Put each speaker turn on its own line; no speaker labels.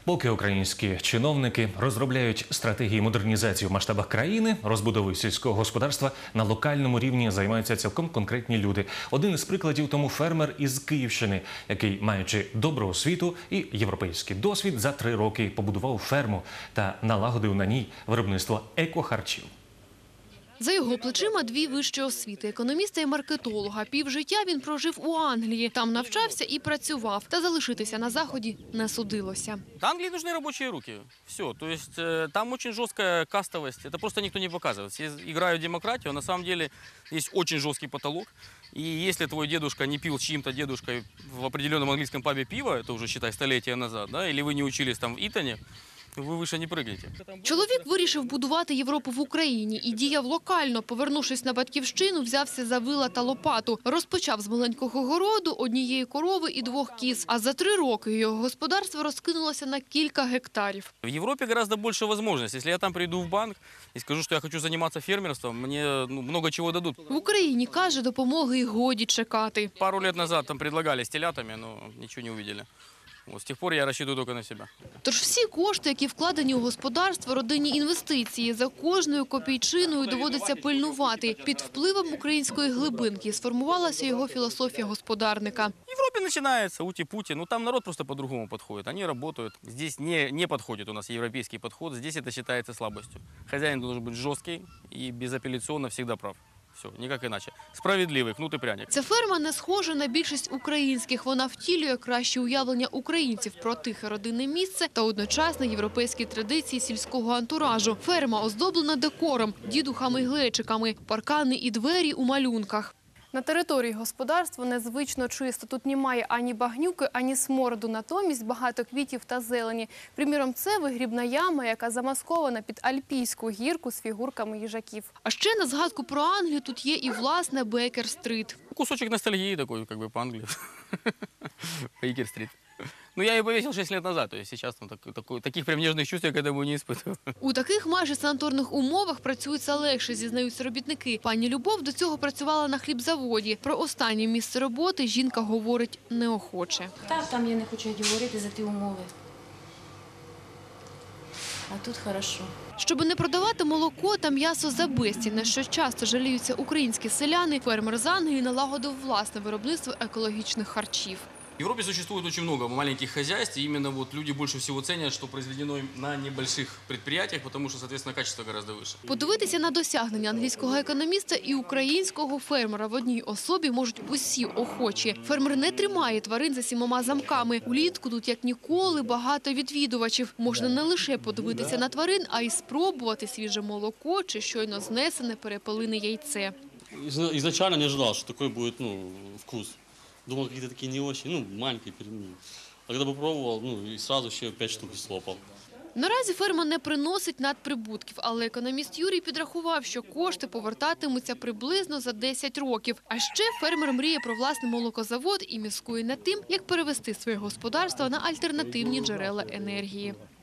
Поки українські чиновники розробляють стратегії модернізації в масштабах країни, розбудовою сільського господарства на локальному рівні займаються цілком конкретні люди. Один із прикладів тому фермер із Київщини, який, маючи добру освіту і європейський досвід, за 3 роки побудував ферму та налагодив на ній виробництво екохарчів.
За його плечима 2 вищі освіти – економіста і маркетолога. Півжиття він прожив у Англії. Там навчався і працював. Та залишитися на Заході не судилося.
Англии нужны рабочие руки. Все. То есть там очень жесткая кастовость. Это просто никто не показывает. Все играют в демократию. На самом деле есть очень жесткий потолок. И если твой дедушка не пил с чьим-то дедушкой в определенном английском пабе пиво, это уже, считай, столетия назад, да, или вы не учились там в Итоне, ви вище не прыгнете.
Чоловік вирішив будувати Європу в Україні і діяв локально. Повернувшись на батьківщину, взявся за вила та лопату. Розпочав з маленького городу, 1 корови і 2 кіз. А за 3 роки його господарство розкинулося на кілька гектарів.
В Европе гораздо больше возможностей. Если я там приду в банк и скажу, что я хочу заниматься фермерством, мне много чего дадут.
В Україні, каже, допомоги й годі чекати.
Пару лет назад там предлагали с телятами, но ничего не увидели. Вот, с тех пор я рассчитываю только на себя.
Тож всі кошти, які вкладені у господарство, родинні інвестиції, за кожною копійчиною доводиться пильнувати. Під впливом української глибинки сформувалася його філософія господарника.
В Европе начинается ути-пути, но там народ просто по-другому подходит. Они работают. Здесь не подходит у нас европейский подход, здесь это считается слабостью. Хозяин должен быть жесткий и безапелляционно всегда прав. Все, ніяк іначе. Справедливий, кнут і пряник.
Ця ферма не схожа на більшість українських. Вона втілює краще уявлення українців про тихе родинне місце та одночасно європейські традиції сільського антуражу. Ферма оздоблена декором, дідухами й глечиками, паркани і двері у малюнках. На території господарства незвично чисто. Тут немає ані багнюки, ані смороду. Натомість багато квітів та зелені. Приміром, це вигрібна яма, яка замаскована під альпійську гірку з фігурками їжаків. А ще на згадку про Англію тут є і власне Бейкер-стрит.
Кусочек ностальгии такой, как бы по Англии. Бейкер-стрит. Ну, я ее повесил 6 лет назад, то есть сейчас там таких прям нежных чувств я к этому не испытываю.
У таких майже санаторних умовах працюється легше, зізнаються робітники. Пані Любов до цього працювала на хлібзаводі. Про останнє місце роботи жінка говорить неохоче.
Там я не хочу говорити за ті умови. А тут хорошо.
Щоби не продавати молоко та м'ясо за безцінь, на що часто жаліються українські селяни, фермер з Англії налагодив власне виробництво екологічних харчів.
В Европе существует очень много маленьких хозяйств, и именно вот люди больше всего ценят, что произведено на небольших предприятиях, потому что, соответственно, качество гораздо выше.
Подивитися на досягнення англійського економіста і українського фермера в одній особі можуть усі охочі. Фермер не тримає тварин за 7 замками. Улітку тут, як ніколи, багато відвідувачів. Можна не лише подивитися на тварин, а й спробувати свіже молоко чи щойно знесене перепелине яйце.
Изначально не ожидал, что такой будет вкус. Думал, какие-то такие не очень, маленькие. А когда попробовал, и сразу еще 5 штук слопал.
Наразі ферма не приносить надприбутків, але економіст Юрій підрахував, що кошти повертатимуться приблизно за 10 років. А ще фермер мріє про власний молокозавод і міскує над тим, як перевести своє господарство на альтернативні джерела енергії.